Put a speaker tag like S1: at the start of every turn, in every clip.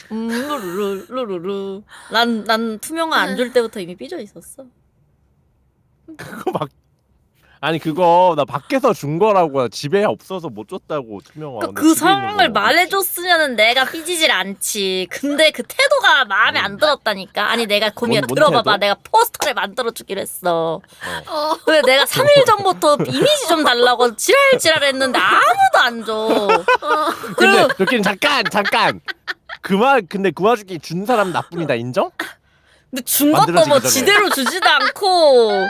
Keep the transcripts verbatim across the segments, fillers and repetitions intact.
S1: 음, 루루루, 루루루. 난, 난 투명화 안 줄 때부터 이미 삐져 있었어.
S2: 그거 막 아니 그거 나 밖에서 준 거라고. 집에 없어서 못 줬다고 투명화.
S1: 그러니까 그 상황을 말해줬으면은 내가 삐지질 않지. 근데 그 태도가 마음에 안 들었다니까. 아니 내가 고미야
S2: 뭔- 뭔
S1: 들어봐봐.
S2: 태도?
S1: 내가 포스터를 만들어주기로 했어.
S3: 어.
S1: 근데 내가 삼 일 전부터 이미지 좀 달라고 지랄지랄 했는데 아무도 안 줘.
S2: 근데 여기는 잠깐 잠깐 그만. 근데 그 와중에 준 사람 나뿐이다. 인정?
S1: 근데 준 것도 뭐
S2: 만들어지기 전에.
S1: 지대로 주지도 않고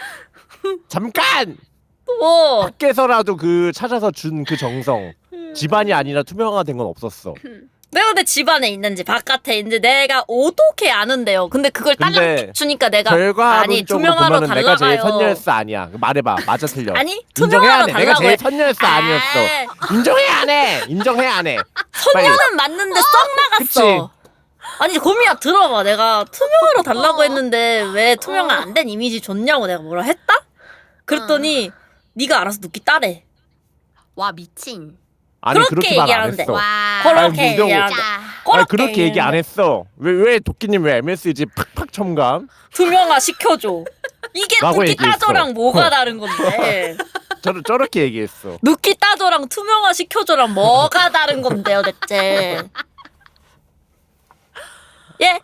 S2: 잠깐
S1: 뭐
S2: 밖에서라도 그 찾아서 준 그 정성. 집안이 아니라 투명화가 된 건 없었어.
S1: 내가 근데 집안에 있는지 바깥에 있는지 내가 어떻게 아는데요. 근데 그걸
S2: 근데
S1: 딸랑 주니까 내가 아니
S2: 결과론적으로
S1: 투명화로
S2: 보면은 내가 제일
S1: 달라가요.
S2: 선열스 아니야. 말해봐. 맞아 틀려.
S1: 아니
S2: 인정해야
S1: 투명화로
S2: 돼. 내가
S1: 달라고
S2: 제일
S1: 해.
S2: 선열스 아니었어.
S1: 아,
S2: 인정해 안 해. 인정해 안 해. 빨리.
S1: 선녀는 맞는데 썩 나갔어. 아니 고미야 들어봐. 내가 투명화로 달라고 했는데 왜 투명화 안 된 이미지 줬냐고 내가 뭐라 했다? 그랬더니 네가 알아서 눕기 따래.
S3: 와 미친.
S2: 아니
S1: 그렇게
S2: 그렇게 말 안
S1: 얘기하는데.
S2: 했어.
S3: 와.
S1: 그렇게
S2: 아니, 무슨
S1: 얘기하는데.
S3: 자.
S2: 아니 그렇게
S1: 그렇게
S2: 얘기 안 했어. 왜 왜 도끼님 왜 엠에스지 팍팍 첨감?
S1: 투명화 시켜줘. 이게
S2: 라고
S1: 눕기
S2: 얘기했어.
S1: 따줘랑 뭐가 다른 건데?
S2: 저 저렇게 얘기했어.
S1: 눕기 따줘랑 투명화 시켜줘랑 뭐가 다른 건데요, 대체? 예?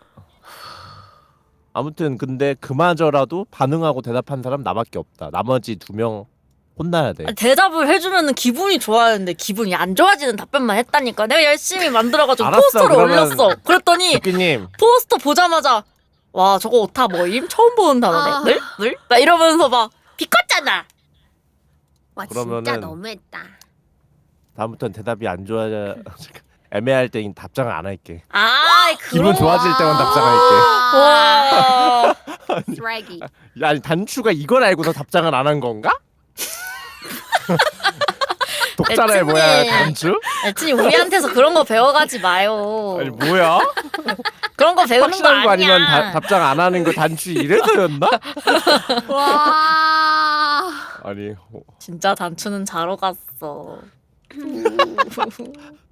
S2: 아무튼 근데 그마저라도 반응하고 대답한 사람 나밖에 없다. 나머지 두 명 혼나야 돼.
S1: 대답을 해주면은 기분이 좋아하는데 기분이 안 좋아지는 답변만 했다니까. 내가 열심히 만들어가지고
S2: 알았어,
S1: 포스터를
S2: 그러면-
S1: 올렸어. 그랬더니
S2: 도끼님
S1: 포스터 보자마자 와 저거 오타 뭐임? 처음 보는 단어네.
S3: 아.
S1: 늘? 늘? 막 이러면서 막 비꼬잖아.
S3: 와
S2: 그러면은-
S3: 진짜 너무했다.
S2: 다음부터는 대답이 안 좋아. 애매할 땐 답장을 안 할게.
S1: 아,
S2: 기분
S1: 그런
S2: 좋아질 때만 답장할게.
S1: 와.
S3: 쓰레기.
S2: 아니 단추가 이걸 알고서 답장을 안 한 건가? 독자라의
S1: 애칭이-
S2: 뭐야 단추?
S1: 애친이 우리한테서 그런 거 배워가지 마요.
S2: 아니 뭐야?
S1: 그런 거 배우는 거
S2: 확실한 거
S1: 아니야.
S2: 아니면 다, 답장 안 하는 거 단추 이래서였나?
S3: 와.
S2: 아니 어,
S1: 진짜 단추는 자러 갔어.